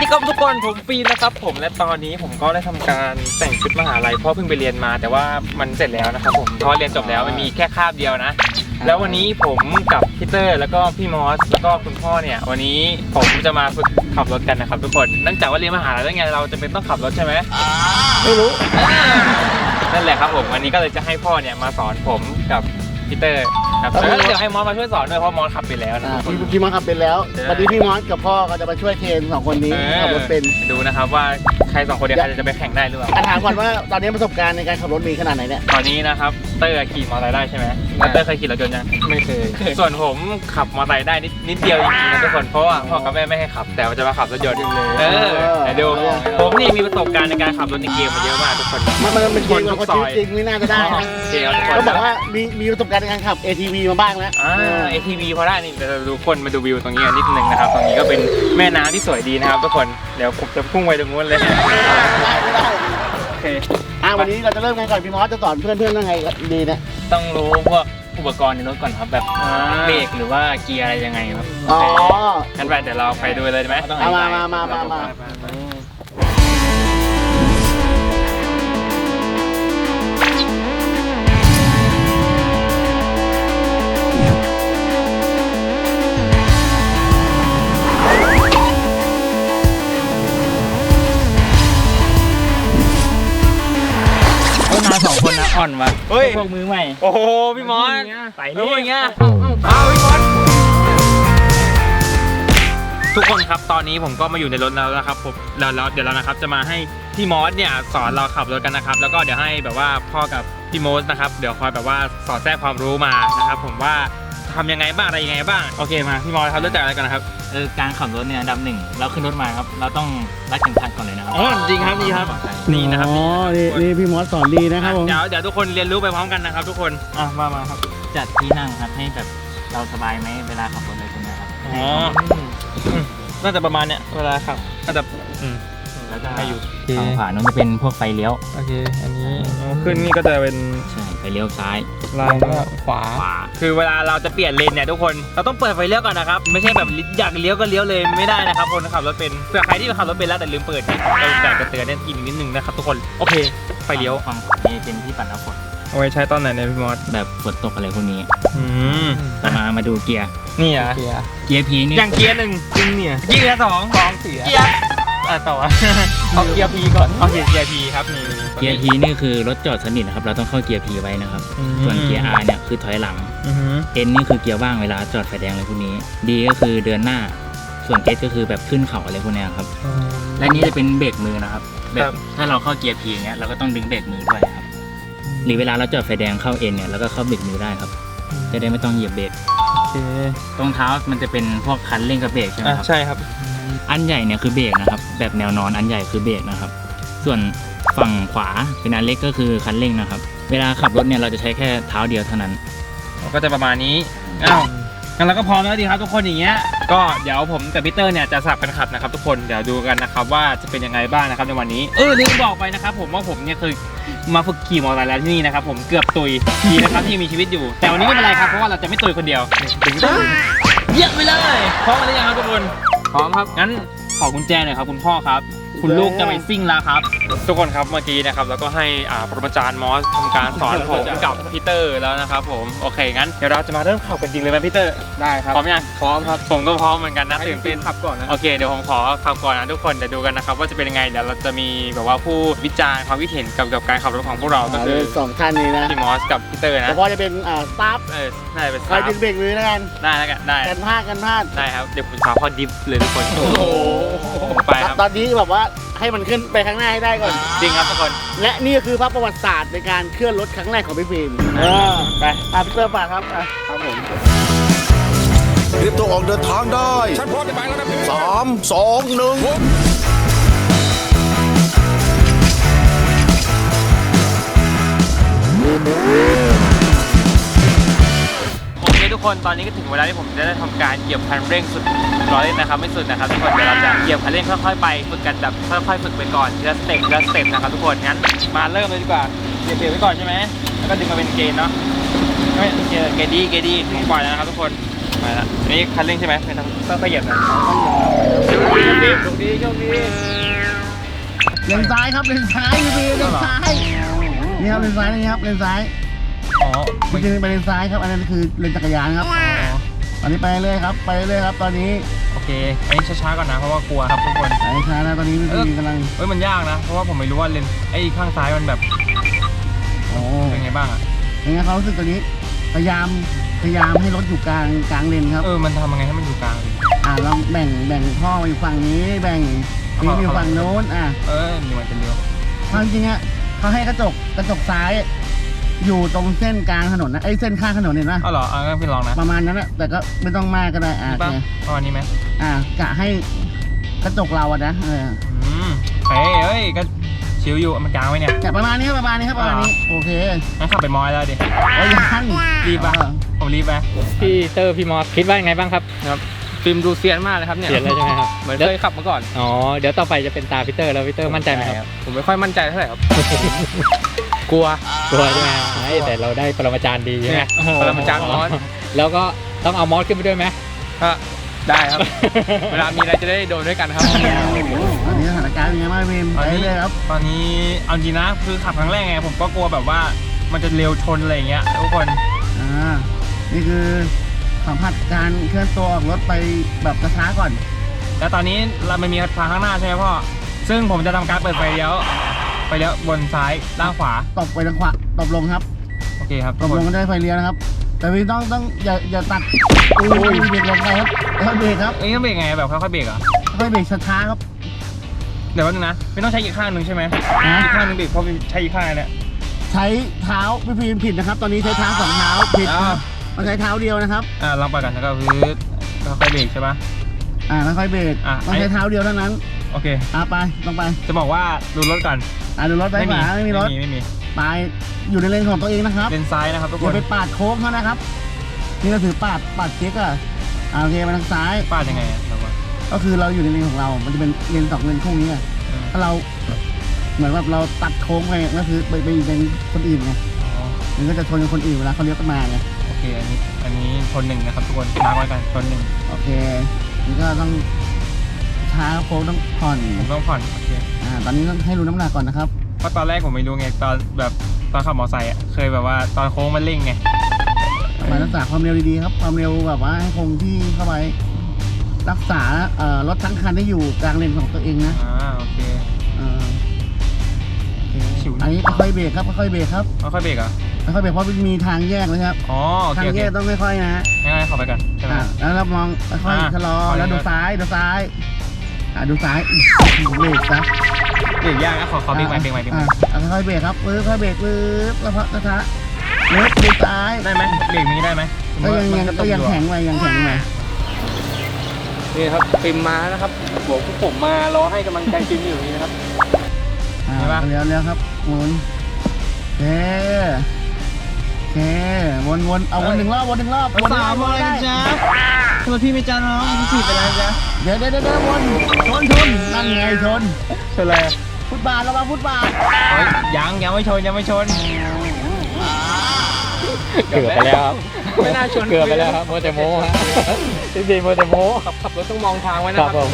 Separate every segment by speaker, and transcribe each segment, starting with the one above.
Speaker 1: ครับทุกคนผมฟีนนะครับผมและตอนนี้ผมก็ได้ทำการแต่งชุดมหาลัยเพราะเพิ่งไปเรียนมาแต่ว่ามันเสร็จแล้วนะครับผมเพราะเรียนจบแล้วมันมีแค่คาบเดียวนะแล้ววันนี้ผมกับพี่เตอร์แล้วก็พี่มอสแล้วก็คุณพ่อเนี่ยวันนี้ผมจะมาฝึกขับรถกันนะครับทุกคนเนื่องจากว่าเรียนมหาลัยแล้วไงเราจะเป็นต้องขับรถใช่ไหม
Speaker 2: ไม่รู้
Speaker 1: นั่นแหละครับผมวันนี้ก็เลยจะให้พ่อเนี่ยมาสอนผมกับพี่เตอร์ครับแล้วเดี๋ยวให้มอสมาช่วยสอนด้วยเพราะมอสขับไปแล้วนะ
Speaker 2: พี่มอสขับเป็นแล้ววันนี้พี่มอสกับพ่อก็จะมาช่วยเทรนสองคนนี้ขับรถเป็น
Speaker 1: ดูนะครับว่าใครสองคนเดียวใครจะไปแข่งได้หรือเปล่า
Speaker 2: ถามก่อนว่าตอนนี้ประสบการณ์ในการขับรถมีขนาดไหนเนี่ย
Speaker 1: ตอนนี้นะครับเตอร์ขี่มอเตอร์ไซค์ได้ใช่ไหมเตอร์เคยขี่รถยนต์ยังไม่เคยส่วนผมขับมอเตอร์ไซค์ได้นิดเดียวจริงๆนะทุกคนเพราะว่าพ่อกับแม่ไม่ให้ขับแต่จะมาขับรถยนต์เลยดูผมนี่มีประสบการณ์ในการขับรถในเกมมาเยอะมากทุกคน
Speaker 2: มันเป็นคนทุกซอยจริงไม่น่าจะได้นะก็บอกว่ามีประสบการณ์ในการขับ ATV มาบ้างแล้ว
Speaker 1: ATV พอได้นี่เดี๋ยวดูคนมาดูวิวตรงนี้นิดนึงนะครับตรงนี้ก็เป็นแม่น้ำที่สวยดีนะครับทุกคนเดี๋ยวผมจะพุ่งไปตรงนู้นเลย
Speaker 2: ได้โอเควันนี้เราจะเริ่มกันก่อนพี่มอสจะสอนเพื่อนยังไงดีเนี่ย
Speaker 1: ต้องรู้พวกอุปกรณ์ในรถก่อนครับแบบเบรกหรือว่าเกียร์อะไรยังไงครับงั้นไปเดี๋ยวเราไปดูเลยได้ไหม
Speaker 2: มา
Speaker 1: สองคนนะอ่อนวะพวกมือใหม่โอ้โหพี่มอสไปนี่อย่างเงี้ยเอาพี่มอสทุกคนครับตอนนี้ผมก็มาอยู่ในรถแล้วนะครับผมเดี๋ยวเรานะครับจะมาให้พี่มอสเนี่ยสอนเราขับรถกันนะครับแล้วก็เดี๋ยวให้แบบว่าพ่อกับพี่มอสนะครับเดี๋ยวคอยแบบว่าสอนแทรกความรู้มานะครับผมว่าทำยังไงบ้างอะไรยังไงบ้างโอเคมาพี่มอสครับเริ่มจากอะไรกันนะครับ
Speaker 3: การขับรถเนี่ยอันดับหนึ่งเราขึ้นรถมาครับเราต้องรัดเข็มขัดก่อนเลยนะครับ
Speaker 1: จริงครับนี่ครับนี่นะครับ
Speaker 2: นี่พี่มอสสอนดีนะครับผม
Speaker 1: เดี๋ยวทุกคนเรียนรู้ไปพร้อมกันนะครับทุกคนมาครับ
Speaker 3: จัดที่นั่งครับให้แบบเราสบายไหมเวลาขับรถอะไรพวกนี้ครับ
Speaker 1: น่าจะประมาณเนี้ยเวลาขับน่าจะ
Speaker 3: แล้วก็ฝั่งขวานู้นจะเป็นพวกไฟเลี้ยว
Speaker 1: โอเคอันนี้ขึ้นนี่ก็จะเป็น
Speaker 3: ใช่ไฟเลี้ยวซ้าย
Speaker 1: ลงก็ขวาคือเวลาเราจะเปลี่ยนเลนเนี่ยทุกคนเราต้องเปิดไฟเลี้ยวก่อนนะครับไม่ใช่แบบอยากเลี้ยวก็เลี้ยวเลยไม่ได้นะครับคนขับรถเป็นเผื่อใครที่ขับรถเป็นแล้วแต่ลืมเปิดเราแต่จะเตือนเนี่ยอีกนิดนึงนะครับทุกคนโอเคไฟเลี้ยว
Speaker 3: ฝั่งขวานี่เป็นที่ปัดน้ำฝน
Speaker 1: เอาไว้ใช้ตอนไหนเนี่ยพี่มอส
Speaker 3: แบบฝนตกอะไรพวกนี้มาดูเกียร์
Speaker 1: นี่อ่ะ
Speaker 3: เกียร์พีนี่
Speaker 1: อย่างเกียร์หนึ่งจริงเนี่ยเกียร์สองเสียเกียร์ต่อเอาเกียร์พีก่อนเอาเกียร์พีครับนี่
Speaker 3: เกียร์พีนี่คือรถจอดสนิทนะครับเราต้องเข้าเกียร์พีไว้นะครับส่วนเกียร์ R เนี่ยคือถอยหลังN นี่คือเกียร์ว่างเวลาจอดไฟแดงอะไรพวกนี้ D ก็คือเดินหน้าส่วน S ก็คือแบบขึ้นเขาอะไรพวกนี้ครับและนี่จะเป็นเบรกมือนะครับแบบถ้าเราเข้าเกียร์พีเงี้ยเราก็ต้องดึงเบรกมือด้วยครับหรือเวลาเราจอดไฟแดงเข้า N เนี่ยเราก็เข้าเบรกมือได้ครับจะได้ไม่ต้องเหยียบเบรกตรงเท้ามันจะเป็นพวกคันเร่งกับเบรกใช่ไหมครับ
Speaker 1: ใช่ครับ
Speaker 3: อันใหญ่เนี่ยคือเบรกนะครับแบบแนวนอนอันใหญ่คือเบรกนะครับส่วนฝั่งขวาเป็นอันเล็กก็คือคันเร่งนะครับเวลาขับรถเนี่ยเราจะใช้แค่เท้าเดียวเท่านั้น
Speaker 1: ก็จะประมาณนี้งั้นเราก็พร้อมแล้วดีครับทุกคนอย่างเงี้ยก็เดี๋ยวผมกับพีเตอร์เนี่ยจะสลับกันขับนะครับทุกคนเดี๋ยวดูกันนะครับว่าจะเป็นยังไงบ้างนะครับในวันนี้ลืมบอกไปนะครับผมว่าผมเนี่ยเคยมาฝึกขี่มอเตอร์ไซค์แล้วที่นี่นะครับผมเกือบตุยดีนะครับที่มีชีวิตอยู่แต่วันนี้ไม่เป็นไรครับเพราะว่าเราจะไม่ตุยคนเดียวถึงได้เยี่ยมไปเลยพร้อมกันหรือยังครับทุกคนพร้อมครับงั้นขอกุญแจหน่อยครับคุณพ่อครับคุณลูกจะไปซิ่งแล้วครับทุกคนครับเมื่อกี้นะครับแล้วก็ให้ปรมาจารย์มอสทำการสอนผมกับพีเตอร์แล้วนะครับผมโอเคงั้นเดี๋ยวเราจะมาเริ่มขับกันจริงเลยไหมพีเตอร์
Speaker 2: ได้ครับ
Speaker 1: พร้อมยัง
Speaker 2: พร้อมครับ
Speaker 1: ผมก็พร้อมเหมือนกันนะตื่นเต้น
Speaker 2: ขับก่อนนะ
Speaker 1: โอเคเดี๋ยวผมขอขับก่อนนะทุกคนเดี๋ยวดูกันนะครับว่าจะเป็นยังไงเดี๋ยวเราจะมีแบบว่าผู้วิจารณ์ความคิดเห็นกับการขับรถของพวกเราก็คือ
Speaker 2: 2ท่านนี้นะ
Speaker 1: พี่มอสกับพีเตอร์นะ
Speaker 2: พอจะเป็นสตาฟ
Speaker 1: ได้เป็น
Speaker 2: ใครดึงเบรกมือแล้วกัน
Speaker 1: ได้แล้วกันได้
Speaker 2: กันพลาด
Speaker 1: ได้ครับเดี๋ยวผมพาพ่อดิฟเลยทุกคนโอ้โหไปครับ
Speaker 2: ตอนนี้แบบว่าให้มันขึ้นไปข้างหน้าให้ได้ก่อน
Speaker 1: จริงครับทุกคน
Speaker 2: และนี่คือภาพประวัติศาสตร์ในการเคลื่อนรถครั้งแรกของพี่ฟิล์มไปพี่เตอร์ฝากครับครับผม
Speaker 4: เตรียมตัวออกเดินทางได้ฉันพร้อมจะไปแล้วนะ3 2 1
Speaker 1: โอเคทุกคนตอนนี้ก็ถึงเวลาที่ผมจะได้ทำการเหยียบคันเร่งสุดร้อยนะครับไม่สุดนะครับทุกคนเดี๋ยวเราจะเหยียบคันเร่งค่อยๆไปฝึกกันแบบค่อยๆฝึกไปก่อนทีละสเต็ปนะครับทุกคนงั้นมาเริ่มเลยดีกว่าเหยียบเบรกไว้ก่อนใช่ไหมแล้วก็ดึงมาเป็นเกณฑ์เนาะไม่เกดีผมปล่อยแล้วนะครับทุกคนไปละนี่คันเร่งใช่ไหมไม่ต้องเหยียบนะฟิล์มโชคดีโชคดี
Speaker 2: เลนซ้ายครับเลนซ้ายพี่พีเลนซ้ายนี่ครับเลนซ้ายนี่ครับเลนซ้าย
Speaker 1: อ๋อ
Speaker 2: จริงๆไปเลนซ้ายครับอันนั้นคือเลนจักรยานครับตอนนี้ไปเรื่อยครับไปเรื่อยครับตอนนี้
Speaker 1: โอเคอันนี้ช้าๆก่อนนะเพราะว่ากลัวครับทุกคน
Speaker 2: ไปช้านะตอนนี้พี่พีกำลัง
Speaker 1: เอ้ยมันยากนะเพราะว่าผมไม่รู้ว่าเลนไอ้ข้างซ้ายมันแบบ
Speaker 2: โอ้
Speaker 1: เป็นไงบ้างอ่ะ
Speaker 2: ยังไงเขารู้สึกตอนนี้พยายามให้รถอยู่กลางเลนครับ
Speaker 1: มันทำยังไงให้มันอยู่กลางดิ
Speaker 2: ลองแบ่งท่อมาอยู่ฝั่งนี้แบ่งนี่อยู่ฝั่งโน้น
Speaker 1: นี่มันเป็นเร็ว
Speaker 2: ความจริงอ่ะเขาให้กระจกซ้าย อยู่ตรงเส้นกลางถนนนะเส้นข้างถนนเห็นไหม
Speaker 1: อ๋อเหรองั้นพี่ลองนะ
Speaker 2: ประมาณนั้นแหละแต่ก็ไม่ต้องมากก็ได้โอ
Speaker 1: ป่ะ
Speaker 2: เค
Speaker 1: ประมาณนี้ไหม
Speaker 2: กะให้กระจกเราอะนะ
Speaker 1: เฮ้ยก็ชิวอยู่มันกลางไว้เนี่ย
Speaker 2: กะประมาณนี้ครับประมาณนี้โอเค
Speaker 1: งั้นขับไปมอยแล้วดิ
Speaker 2: โอ้ยยัง
Speaker 1: รีบป่ะผมรีบไป
Speaker 3: พี่เตอร์พี่มอสคิดว่ายังไงบ้างครับ
Speaker 1: ครับฟิล์มดูเซียนมากเลยครับเนี่ย
Speaker 3: เสียนเลยใช่ไหมครับ
Speaker 1: เหมือนเคยขับมาก่อน
Speaker 3: อ๋อเดี๋ยวต่อไปจะเป็นตาพี่เตอร์แล้วพี่เตอร์มั่นใจไหมครับ
Speaker 1: ผมไม่ค่อยมั่นใจเท่าไหร่ครับ กลัว
Speaker 3: กลัวใช่ไหมแต่เราได้ปรมาจารย์ดีใช่ไหม
Speaker 1: ปรมาจารย์มอส
Speaker 3: แล้วก็ต้องเอามอสขึ้นไปด้วยไหม
Speaker 1: ก็ได้ครับ เวลามีอะไรจะได้โดนด้วยกันครับ
Speaker 2: ตอนนี้สถานการณ์เป็นไงบ้างวิมไปเลยครับ
Speaker 1: ตอนนี้เอาจริงนะคือขับครั้งแรกไงผมก็กลัวแบบว่ามันจะเร็วชนอะไรอย่างเงี้ยทุกคน
Speaker 2: นี่คือสัมผัสการเคลื่อนตัวออกรถไปแบบช้าๆก่อน
Speaker 1: แล้วตอนนี้เราไม่มีทางข้างหน้าใช่ไหมพ่อซึ่งผมจะทำการเปิดไฟเลี้ยวบนซ้ายล่างขวา
Speaker 2: ตบไปทางขวาตบลงครับ
Speaker 1: โอเคครับ
Speaker 2: ตบลงก็ได้ไฟเลี้ยวนะครับ แต่พี่ต้องอย่าตัดเบรกลงไปครับแล้วเบรกครับ
Speaker 1: เอ้ยต้องเบรกไงแบบค่อยๆเบรกเหรอ
Speaker 2: ค่อยเบรกช้าๆครับ
Speaker 1: เดี๋ยวแป๊บนึงนะไม่ต้องใช้อีกข้างหนึ่งใช่ไหมอีกข้างหนึ่งเบรกเพราะใช้อีกข้างเนี่ย
Speaker 2: ใช้เท้าพี่พีมผิดนะครับ ตอนนี้ใช้เท้าสองเท้าผิดครับมันใช้เท้าเดียวนะครับ
Speaker 1: ลองไปกันแล้วก็คือค่อยๆเบรกใช่ปะ
Speaker 2: ค่อยๆเบรกต้องใช้เท้าเดียวเท่านั้น
Speaker 1: โอเค
Speaker 2: ไปต้องไป
Speaker 1: จะบอกว่าดูรถก่อน
Speaker 2: ดูรถไปขวาไม่มีรถ
Speaker 1: ไม่มี
Speaker 2: ไปอยู่ในเลนของตัวเองนะครับ
Speaker 1: เลนซ้ายนะครับทุกค
Speaker 2: อย่าน ไปปาดโค้งเขานะครับนี่เราถือปาดเจ๊กโอเคไปทางซ้าย
Speaker 1: ปาดยังไงแบบว่า
Speaker 2: ก็คือเราอยู่ในเลนของเรา มันจะเป็นเลนสองเลนคู่นี้ไงถ้าเราเหมือนว่าเราตัดโค้งไปก็คือไปอยู่เลนคนอื่นไงมันก็จะชนกับคนอื่นเวลาเขาเลี้ยวกันมาไง
Speaker 1: โอเคอันนี้ชนหนึ่งนะครับทุกคนมาไว้กันชนหนึ่ง
Speaker 2: โอเคนี่ก็ต้องช้าโค้งต้องผ่อน
Speaker 1: ผมต้องผ่อนโอเค
Speaker 2: ตอนนี้ต้องให้รู้น้ำหนักก่อนนะครับ
Speaker 1: เพราะตอนแรกผมไม่รู้ไงตอนขับมอเตอร์ไซค์เคยแบบว่าตอนโค้งมันเร่งไง
Speaker 2: มารักษาความเร็วดีๆครับความเร็วแบบว่าให้คงที่เข้าไปรักษารถทั้งคันได้อยู่กลางเลนของตัวเองนะ
Speaker 1: โอเค ชิว
Speaker 2: อันนี้ค่อยๆเบรกครับค่อยๆเบรกครับ
Speaker 1: ค่อยๆเบรกเหรอ
Speaker 2: ค่อยๆเบรกเพราะมันมีทางแยกนะครับ
Speaker 1: อ๋อโอ
Speaker 2: ทา
Speaker 1: เค
Speaker 2: งแยกต้องค่อยๆนะ
Speaker 1: ง่ายๆขับไปก่อนใช่ไหม
Speaker 2: แล้วเรามองค่อยๆชะลอแล้วดูซ้ายดูซ้ายดูซ้ายเบรกซะ
Speaker 1: เบรกยากนะขอเบรกใหม่
Speaker 2: ค่อยๆเบรกครับค่อยๆเบรกแล้วพอช้าๆดูซ้าย
Speaker 1: ได้ไหมเบรกนี้ได้ไหม
Speaker 2: ก็ยังแข็งไปยังแข็งไป
Speaker 1: นี่ครับฟิล์มมานะครับผมมารอให้กำลังใจฟิล์มอยู่นี่นะครับ
Speaker 2: เร็วครับหมุนโอเควนเอาวนหนึ่งรอบวนได้
Speaker 1: ทำไมพี่ไม่จ้าน้องพี่จีบไปแล้วจ้า
Speaker 2: เดี๋ยววนชนนั่นไงชน
Speaker 1: ชนอะไร
Speaker 2: ฟุตบาทระวังฟุตบาท
Speaker 1: ยังไม่ชน
Speaker 3: เกือบไปแล้วครับ
Speaker 1: ไม่น่าชน
Speaker 3: เกือบไปแล้วครับโมเตโมฮะจริงๆโมเตโม
Speaker 1: ขับรถต้องมองทางไว้นะครับทุกคน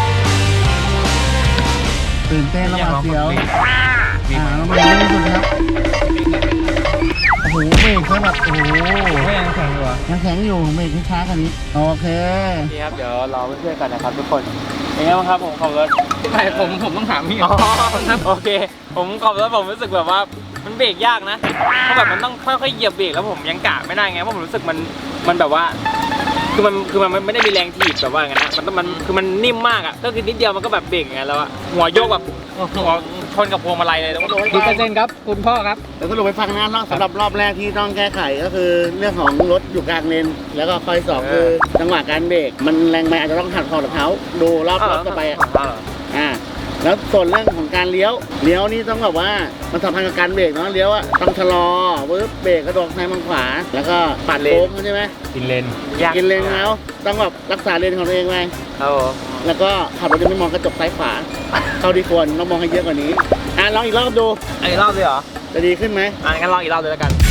Speaker 2: ตื่นเต้นระหว่างเสียวเราไม่รู้สุดครับโอ้โหเบรกซะแบบโอ้โห
Speaker 1: ไม่ยังแข็งอยู่อ่ะ
Speaker 2: ยังแข็งอยู่เบรกช้าๆกันนี้โอเค
Speaker 1: นี่ครับเดี๋ยวรอเพื่อนๆกันนะครับทุกคนเป็นไงบ้างครับผมขับรถไม่ผมต้องถามพี่โอเคผมขับรถผมรู้สึกแบบว่ามันเบรกยากนะเพราะแบบมันต้องค่อยๆเหยียบเบรกแล้วผมยังกะไม่ได้ไงเพราะผมรู้สึกมันแบบว่าคือมันไม่ได้มีแรงถีบแบบว่าอย่างนั้นนะมันคือมันนิ่มมากอ่ะก็คือนิดเดียวมันก็แบบเบรกอย่างนั้นแล้วอะหัวโยกแบบหัวชนกับพวงมาลัยเลยแล้วก็โดน
Speaker 3: กี่เปอร์เซ็นต์ครับคุณพ่อครับ
Speaker 2: เดี๋ยวสรุปไปฟังนะสำหรับรอบแรกที่ต้องแก้ไขก็คือเรื่องของรถอยู่กลางเลนแล้วก็ข้อที่สองคือจังหวะการเบรกมันแรงไปอาจจะต้องหักคอกับเท้าดูรอบต่อไปแล้วส่วนเรื่องของการเลี้ยวนี่ต้องแบบว่ามันสัมพันธ์กับการเบรกเนาะเลี้ยวอะต้องชะลอเบรกกระโดดซ้ายมังขวาแล้วก็ปัดโค้งใช่ไหม
Speaker 3: กินเลน
Speaker 2: กินเลนแล้วต้องแบบรักษาเลนของตัวเองไว้แล้วก็ขับรถไม่มองกระจกซ้ายขวาเท่าที่ควรต้องมองให้เยอะกว่านี้ลองอีกรอบดู
Speaker 1: อีกรอบเลยเหรอ
Speaker 2: จะดีขึ้นไหม
Speaker 1: งั้นลองอีกรอบเลยแล้วกัน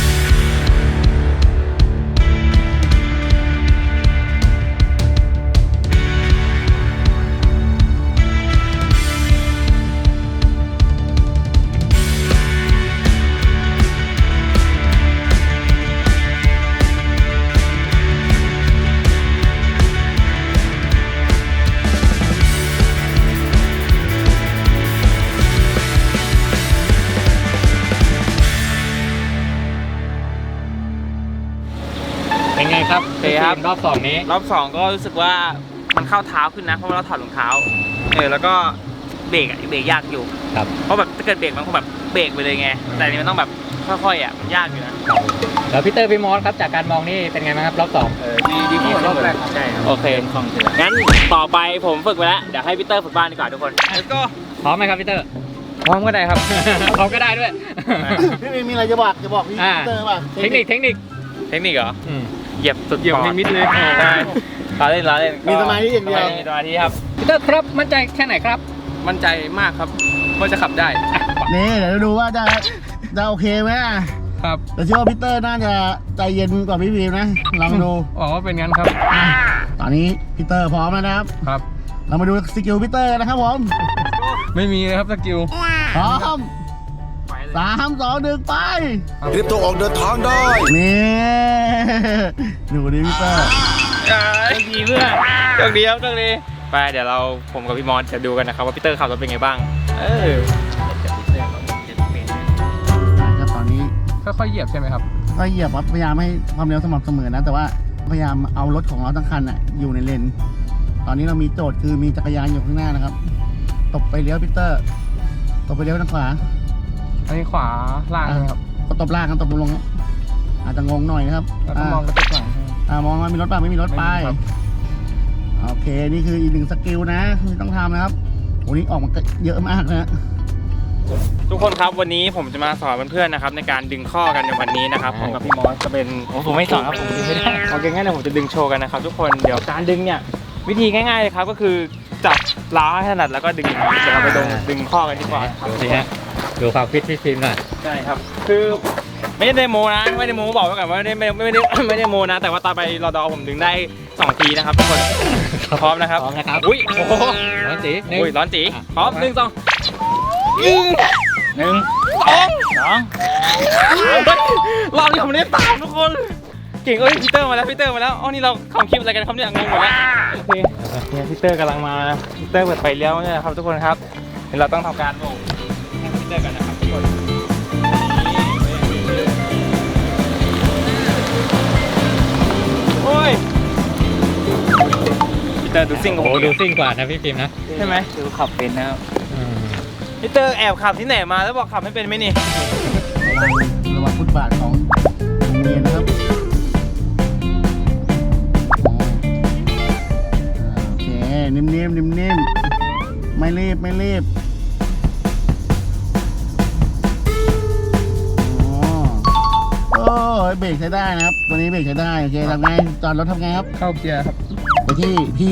Speaker 1: เคครับ
Speaker 3: รอบ2นี้
Speaker 1: รอบ2ก็รู้สึกว่ามันเข้าเท้าขึ้นนะเพราะว่าเราถอดรองเท้าแล้วก็เบรกยากอยู่
Speaker 3: ครับ
Speaker 1: เพราะแบบถ้าเกิดเบรกมันคงแบบเบรกไปเลยไงแต่อันนี้มันต้องแบบค่อยๆมันยากอยู่นะ
Speaker 3: แล้วพี่เตอร์พี่มอสครับจากการมองนี่เป็นไงบ้างครับรอบ2
Speaker 1: ดีกว่ารอบแรกใช่โอเคงั้นต่อไปผมฝึกไปแล้วเดี๋ยวให้พีเตอร์ฝึกบ้านดีกว่าทุกคน Let's go
Speaker 3: พร้อมไหมครับพี่เตอร์
Speaker 1: พร้อมก็ได้ครับ
Speaker 3: พร้อมก็ได้ด้วย
Speaker 2: พี่มีอะไรจะบอกพี่
Speaker 3: อ่า
Speaker 2: เตอร์ป่ะ
Speaker 3: เทคนิค
Speaker 1: เทคนิคเหรอเหยียบสุด
Speaker 3: เหยียบให้มิดเลย
Speaker 1: ใช่ล้อเล่น
Speaker 2: มีสมาธิอย่างเดียว
Speaker 1: มีสมาธิครับ
Speaker 3: พี่เตอร์ครับมั่นใจแค่ไหนครับ
Speaker 1: มั่นใจมากครับว่าจะขับได้
Speaker 2: นี่เดี๋ยวดูว่าจะโอเคไหมอ่ะ
Speaker 1: ครับ
Speaker 2: แต่เชื่อว่าพี่เตอร์น่าจะใจเย็นกว่าพี่พีมนะลองดู
Speaker 1: อ๋อเป็นงั้นครับ
Speaker 2: ตอนนี้พี่เตอร์พร้อมแล้วนะครับ
Speaker 1: ครับ
Speaker 2: เรามาดูสกิลพี่เตอร์กันนะครับผม
Speaker 1: ไม่มีเลยครับสกิล
Speaker 2: พร้อม3 2 1ไป
Speaker 4: เตรียมตัวออกเดินทางได้
Speaker 2: นี่ดูดิพี่เตอร์
Speaker 1: ดีเพื่อนโชคดีครับโชคดีไปเดี๋ยวผมกับพี่มอสจะดูกันนะครับว่าพีเตอร์ขับรถเป็นไงบ้าง
Speaker 2: ครับตอนนี้
Speaker 1: ค่อยๆเหยียบใช่ไหมครับ
Speaker 2: ก็เหยียบครับพยายามให้ความเร็วสม่ำเสมอนะ แต่ว่าพยายามเอารถของเราทั้งคันอ่ะอยู่ในเลน ตอนนี้เรามีโจทย์คือมีจักรยานอยู่ข้างหน้านะครับ ตบไปเลี้ยวพีเตอร์ ตบไปเลี้ยวทางขวา
Speaker 1: อันนี้ขวาล่างครับ
Speaker 2: ก็ตบล่างกันตบลงครับอาจจะงงหน่อยนะครับ
Speaker 1: แล้วก็มองกระจกหลัง
Speaker 2: มองว่ามีรถป่ะไม่มีรถไป
Speaker 1: ไม่มีครับ
Speaker 2: โอเคนี่คืออีกหนึ่งสกิลนะที่ต้องทำนะครับโอ้นี่ออกมาเยอะมากนะ
Speaker 1: ทุกคนครับวันนี้ผมจะมาสอนเพื่อนๆนะครับในการดึงข้อกันในวันนี้นะครับผมกับพี่มอสจะเป็นผมไม่สอนครับผมดึงไม่ได้โอเคงั้นเดี๋ยวผมจะดึงโชว์กันนะครับทุกคนเดี๋ยวการดึงเนี่ยวิธีง่ายๆเลยครับก็คือจับล้าให้ถนัดแล้วก็ดึงเดี๋ยวเราไปดึงข้อกันดีกว่าครับ
Speaker 3: ดูสิฮะดูความฟิตพี่ฟิล์มหน่อย
Speaker 1: ใช่ครับคือไม่ได้โมนะไม่ได้โมบอกไว้ก่อนว่าไม่ได้โมนะ แต่ว่าตอนไปรอดอผมดึงได้2 ทีนะครับทุกคนพร้อมนะครับ
Speaker 3: พร้อมนะครับ
Speaker 1: อุ้ยโอ้โห
Speaker 3: ร้อนจี
Speaker 1: อุ้ยร้อนจีพร้อม1 2 1 2 เราเนี่ยผมได้ตามทุกคน เก่งพีเตอร์มาแล้วอ๋อนี่เราทำคลิปอะไรกันครับเนี่ยงงหมดแล้วโอเคเนี่ยพีเตอร์กำลังมาพีเตอร์เปิดไฟเลี้ยวเนี่ยครับทุกคนครับเดี๋ยวเราต้องทำการโบกให้พีเตอร์กันนะครับทุกคนโอ้ยพีเตอร์ดูซิ่งกับ
Speaker 3: โอ้
Speaker 1: ผม
Speaker 3: ดูซิ่งกว่านะพี่ฟิล์มนะ
Speaker 1: ใช่ไหมดูขับเป็นนะครับพีเตอร์แอบขับที่ไหนมาแล้วบอกขับไม่เป็นไหมนี่
Speaker 2: ระวังฟุตบาทของโรงเรียนนะครับโอเคนิ่มๆไม่รีบโอ้ยเบรกใช้ได้นะครับตัวนี้เบรกใช้ได้โอเคทำไงจอดรถทำไงครับ
Speaker 1: เข้าเกียร์ครับ
Speaker 2: ไปที่พี่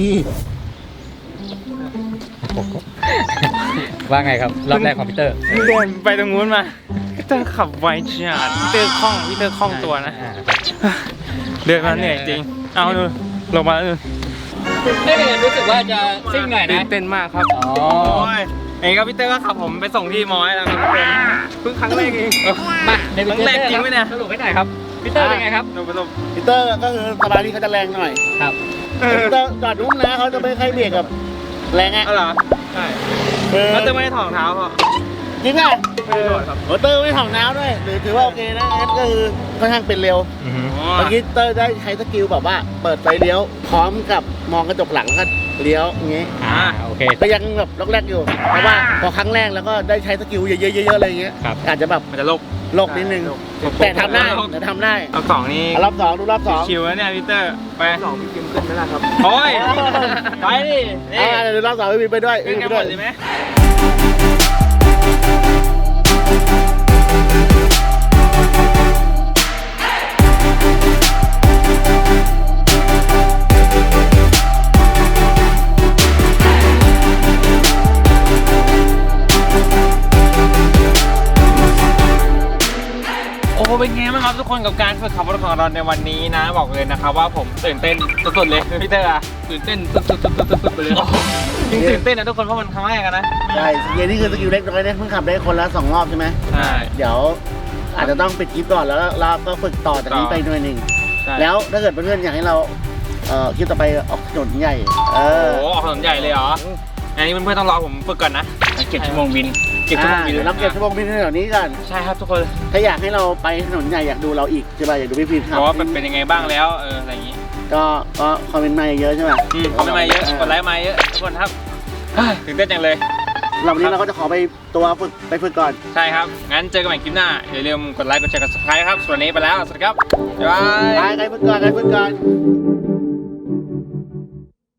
Speaker 3: ว่าไงครับรอบแรกของพี่เตอร์
Speaker 1: เดินไปตรงนู้นมาพีเตอร์ขับไวจัดพีเตอร์คล่องตัวนะเดินมาเหนื่อยจริงเอาดูลงมาแล้วดู
Speaker 3: นี่รู้สึกว่าจะซิ่งหน่อย
Speaker 1: ตื่
Speaker 3: นะ
Speaker 1: นเต้นมากครับ
Speaker 3: อ๋อ
Speaker 1: โอ้ยเองก็พีเตอร์ก็ขับผมไปส่งที่มอแล้วครับทุกคนเพิ่งครั้งแรกเอง
Speaker 3: มาใน
Speaker 1: ครั้งแรกจริงไหมเนี่ย
Speaker 3: สรุปให้หน่อยครับพี่เตอร์เป็นไงครับ
Speaker 1: ดูไปดู
Speaker 2: พีเตอร์ก็คือสบายที่เขาจะแรงหน่อย
Speaker 3: ครับ
Speaker 2: พีเตอร์จอดนุ่มนะเขาจะไม่ค่อยเบรกกับแรงอ่ะ
Speaker 1: เอาเหรอใช่
Speaker 2: คือ
Speaker 1: แล้วจะไม่ได้ถอดรองเท้าเหรอ
Speaker 2: จริงอ่ะ
Speaker 1: ไม่ได้ถอดครับ
Speaker 2: โอ้เตอร์ไม่ถ่องน้ำด้วยหรือถือว่าโอเคนะงั้นก็คือค่อนข้างเป็นเร็ว
Speaker 3: อือฮึ
Speaker 1: อ๋อ
Speaker 2: เมื่อกี้เตอร์ได้ใช้สกิลแบบว่าเปิดไฟเลี้ยว พร้อมกับมองกระจกหลังแล้วก็เลี้ยวอย่างงี้
Speaker 3: โอเค
Speaker 2: ก็ยังแบบล็อกแรกอยู่เพราะว่าพอครั้งแรกแล้วก็ได้ใช้สกิลเยอะๆอะไรอย่างเงี้ย
Speaker 3: ครับ
Speaker 2: อาจจะแบบ
Speaker 1: มันจะลบ
Speaker 2: โลกนิดนึงแต่ทำได้แต่ทำได้
Speaker 1: รอบสองนี่
Speaker 2: รอบสองดูรอบสอง
Speaker 1: ชิวแล้วเนี่ยพีเตอร์ไป2พี่กิมขึ้นไม่ได้ครับโอ้ยไปดินี่
Speaker 2: เดี๋ยวรอบสองไปด้วย
Speaker 1: ขึ้นกันหมดเลยไหม โอ้เป็นไงบ้างครับทุกคนกับการฝึกขับรถของเราในวันนี้นะบอกเลยนะครับว่าผมตื่นเต้นสุดๆเลยพี่เตอร์อะตื่นเต้นสุดๆไปเลยจริงตื่นเต้นนะทุกคนเพราะมันครั้งแรกอะนะ
Speaker 2: ใช่สกิลนี่คือสกิลเล็กน้อยเนี่ยเพิ่งขับได้คนละ2 รอบใช่ไหม
Speaker 1: ใช่
Speaker 2: เดี๋ยวอาจจะต้องปิดคลิปก่อนแล้วเราก็ฝึกต่อจากนี้ไปหน่อยหนึ่ง
Speaker 1: ใช่
Speaker 2: แล้วถ้าเกิดเพื่อนๆอยากให้เราคลิปต่อไปออกถนนใหญ่
Speaker 1: โอ้โหออกถนนใหญ่เลยเหรออันนี้เพื่อนๆต้องรอผมฝึกก่อนนะเก็บชั่วโมงบินเก็บชั่วโมงบิน
Speaker 2: เราเก็บชั่วโมงบินแถวนี้กัน
Speaker 1: ใช่ครับทุกคน
Speaker 2: ถ้าอยากให้เราไปถนนใหญ่อยากดูเราอีกใช่ป่ะอยากดูพี่พีท
Speaker 1: เพ
Speaker 2: ครับ
Speaker 1: ราะว่าเป็นยังไงบ้างแล้วอะไรอย่างนี้
Speaker 2: ก็คอมเมนต์มาเยอะใช่ไหม
Speaker 1: คอมเมนต์มาเยอะกดไลค์มาเยอะทุกคนครับตื่นเต้นจังเลย
Speaker 2: เราวันนี้เราก็จะขอไปตัวฝึกก่อน
Speaker 1: ใช่ครับงั้นเจอกันใหม่คลิปหน้าอย่าลืมกดไลค์กดแชร์กด subscribe ครับส่วนนี้ไปแล้วสวัสดีครับบ๊ายบาย
Speaker 2: ไปฝึกก่อน